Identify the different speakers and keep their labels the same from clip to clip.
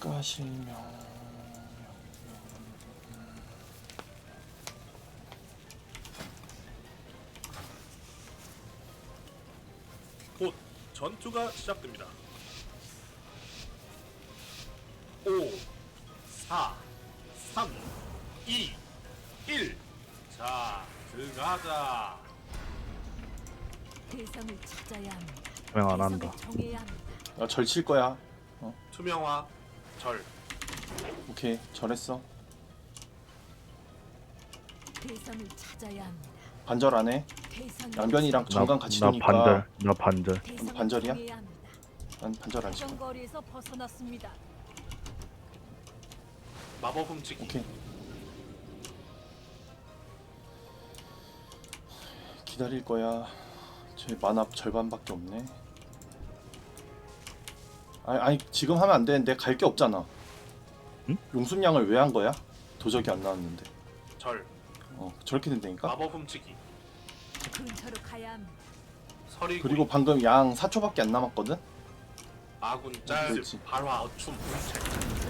Speaker 1: 가실명
Speaker 2: 곧 전투가 시작됩니다. 5, 4, 3, 2, 1. 자, 들어가자.
Speaker 3: 대상을 찾아야 합니다.
Speaker 4: 그냥 안 한다.
Speaker 3: 대상을 정해야 합니다.
Speaker 1: 아, 절칠 거야.
Speaker 2: 투명화, 절.
Speaker 1: 오케이, 절했어.
Speaker 3: 대상을 찾아야 합니다.
Speaker 1: 반절 안 해.
Speaker 3: 대상이
Speaker 1: 양변이랑
Speaker 3: 없습니다.
Speaker 1: 정강 같이
Speaker 4: 나
Speaker 1: 도니까
Speaker 4: 반절. 나 반절.
Speaker 3: 대상을
Speaker 1: 반절이야?
Speaker 3: 정해야 합니다.
Speaker 1: 난 반절 안 시켜.
Speaker 3: 정거리에서 벗어났습니다.
Speaker 2: 마법 훔치기.
Speaker 1: 오케이. 기다릴 거야. 제 만화 절반밖에 없네. 아니 지금 하면 안 되는데 갈 게 없잖아.
Speaker 4: 응?
Speaker 1: 용순양을 왜 한 거야? 도적이 안 나왔는데.
Speaker 2: 절.
Speaker 1: 저렇게 된다니까?
Speaker 2: 마법 훔치기.
Speaker 3: 근처로 가야 합니다.
Speaker 2: 서리구이.
Speaker 1: 그리고 방금 양 4초밖에 안 남았거든?
Speaker 2: 아군 짤.
Speaker 1: 그렇지.
Speaker 2: 발화 어춤 분책.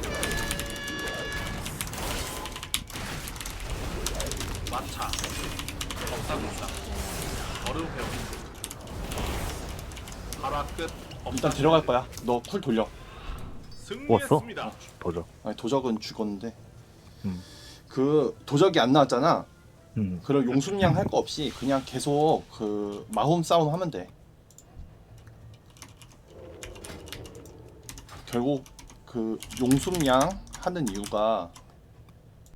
Speaker 2: 마차. 법사군사. 얼음 회원. 발화 끝.
Speaker 1: 일단 데려갈 거야. 너 쿨 돌려.
Speaker 2: 승리했습니다.
Speaker 4: 도저.
Speaker 1: 아니 도적은 죽었는데
Speaker 4: 음.
Speaker 1: 그 도적이 안 나왔잖아.
Speaker 4: 음.
Speaker 1: 그럼 용순양 할 거 없이 그냥 계속 그 마홈 싸움 하면 돼. 결국 그 용순양 하는 이유가